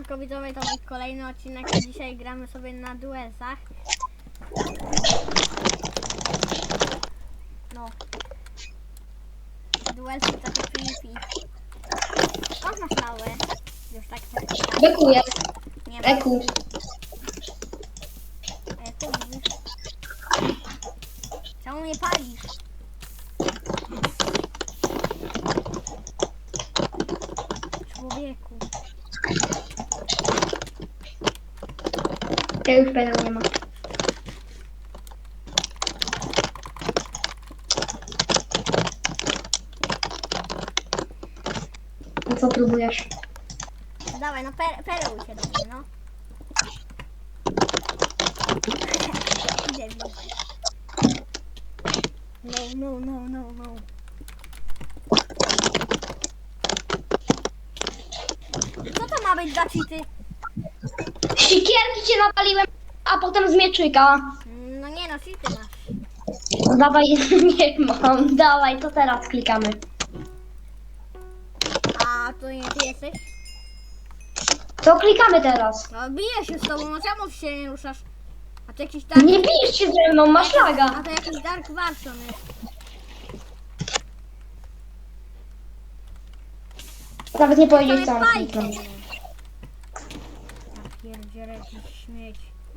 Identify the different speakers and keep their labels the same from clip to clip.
Speaker 1: Siemanko widzowie, to był kolejny odcinek, a dzisiaj gramy sobie na duelsach. No. Duelsy takie PvP. Skąd masz małe? Już tak się
Speaker 2: Beku jest.
Speaker 1: nie ma.
Speaker 2: Beku.
Speaker 1: A jak to mówisz? Czemu mnie palisz? Człowieku.
Speaker 2: Ja już pedał nie ma. No co próbujesz?
Speaker 1: Dawaj, no perełuj się do mnie, no. Idę w nich. No. Co to ma być za cheaty?
Speaker 2: Sikierki cię napaliłem, a potem z mieczyka.
Speaker 1: No nie no, cheaty masz.
Speaker 2: No dawaj, nie mam. Dawaj, to teraz klikamy.
Speaker 1: A to nie ty jesteś?
Speaker 2: To klikamy teraz.
Speaker 1: No biję się z tobą, no czemu się nie ruszasz? A to jakiś dark...
Speaker 2: Nie bijesz się ze mną, masz
Speaker 1: A
Speaker 2: laga.
Speaker 1: to jakiś dark version jest.
Speaker 2: Nawet nie powiedzieć
Speaker 1: To
Speaker 2: co mam
Speaker 1: jest
Speaker 2: kliknąć.
Speaker 1: bajka. Ja pierdzielę, jakiś śmieć.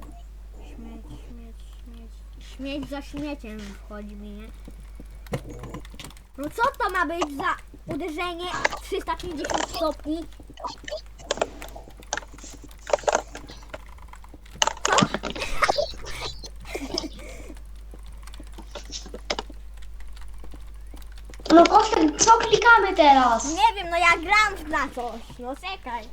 Speaker 1: Śmieć za śmieciem wchodzi mi, nie? No co to ma być za uderzenie 350 stopni? Co?
Speaker 2: No Kostek, co klikamy teraz?
Speaker 1: Nie wiem, no ja gram na coś. No czekaj.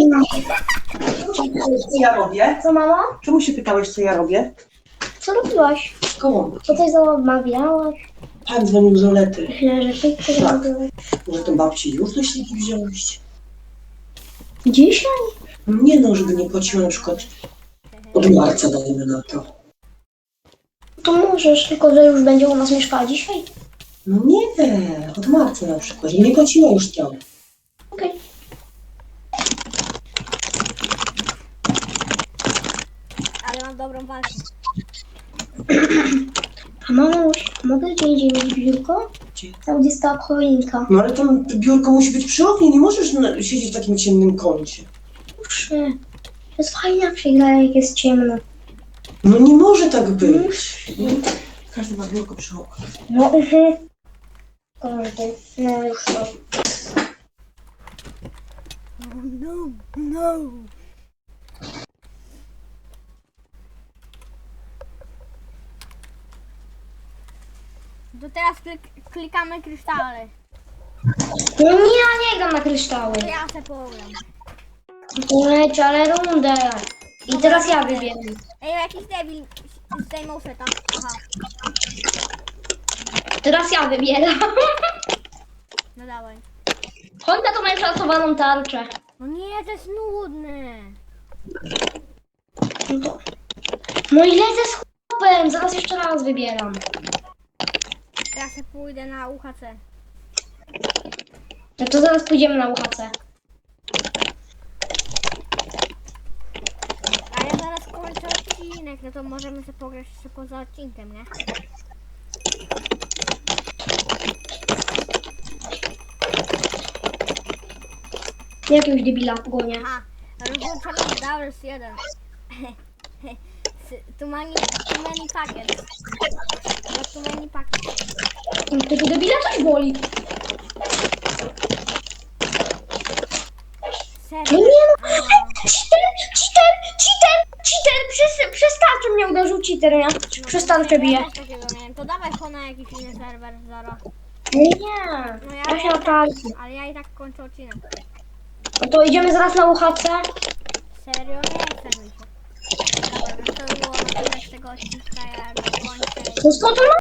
Speaker 3: Co ja robię?
Speaker 2: Co mama?
Speaker 3: Czemu się pytałeś, co ja robię?
Speaker 2: Co robiłaś?
Speaker 3: Koło.
Speaker 2: Co coś zamawiałaś?
Speaker 3: Pan dzwonił z Olety.
Speaker 2: Myślę, że ty coś
Speaker 3: Tak.
Speaker 2: robiłaś.
Speaker 3: Może to babci już do śniegi wziąłeś?
Speaker 2: Dzisiaj?
Speaker 3: No nie no, żeby nie płaciła na przykład od marca, dajmy na to.
Speaker 2: To możesz, tylko że już będzie u nas mieszkała dzisiaj.
Speaker 3: No nie, od marca na przykład, żeby nie płaciła już tam.
Speaker 2: Okej.
Speaker 1: Ale mam dobrą walkę.
Speaker 2: A mamuś, mogę gdzie indziej mieć biurko?
Speaker 3: Gdzie?
Speaker 2: Tam gdzie stała choinka.
Speaker 3: No ale tam biurko musi być przy oknie, nie możesz siedzieć w takim ciemnym kącie.
Speaker 2: Proszę. To jest fajna gra, jak jest ciemno.
Speaker 3: No nie może tak być. Każdy ma biurko przy oknie.
Speaker 2: No Każdy. No już to.
Speaker 1: No. To teraz klikamy kryształy.
Speaker 2: No nie gram na kryształy.
Speaker 1: To ja se pogram.
Speaker 2: Leć, ale rundę. I teraz ja wybieram.
Speaker 1: Ej, jakiś debil zdejmą seta. Aha,
Speaker 2: Teraz ja wybieram.
Speaker 1: no dawaj.
Speaker 2: Honda to ma szacowaną tarczę.
Speaker 1: No nie, to jest nudne.
Speaker 2: No i lecę z chłopem. Zaraz jeszcze raz wybieram.
Speaker 1: Ja se pójdę na UHC.
Speaker 2: No to zaraz pójdziemy na UHC.
Speaker 1: A ja zaraz kończę odcinek, no to możemy sobie pograć jeszcze poza odcinkiem, nie?
Speaker 2: Jakiegoś debila gonię.
Speaker 1: Aha, rozłączamy Dowers 1. Too many packets. Not too many packets.
Speaker 2: Tego debila coś boli. No
Speaker 1: Serio?
Speaker 2: nie no. Cheater. Przez tarczę mnie uderzył cheater, nie? Przez tarczę bije.
Speaker 1: Ja też takiego miałem. To dawaj ho na jakiś inny serwer, Zara.
Speaker 2: Nie.
Speaker 1: No
Speaker 2: Ja się naprawię.
Speaker 1: ale ja i tak kończę odcinek.
Speaker 2: No to idziemy zaraz na UHC.
Speaker 1: Serio? Nie chcę mi się. Dobra, no to było na tyle z tego odcinka, ja go kończę.
Speaker 2: To skąd on ma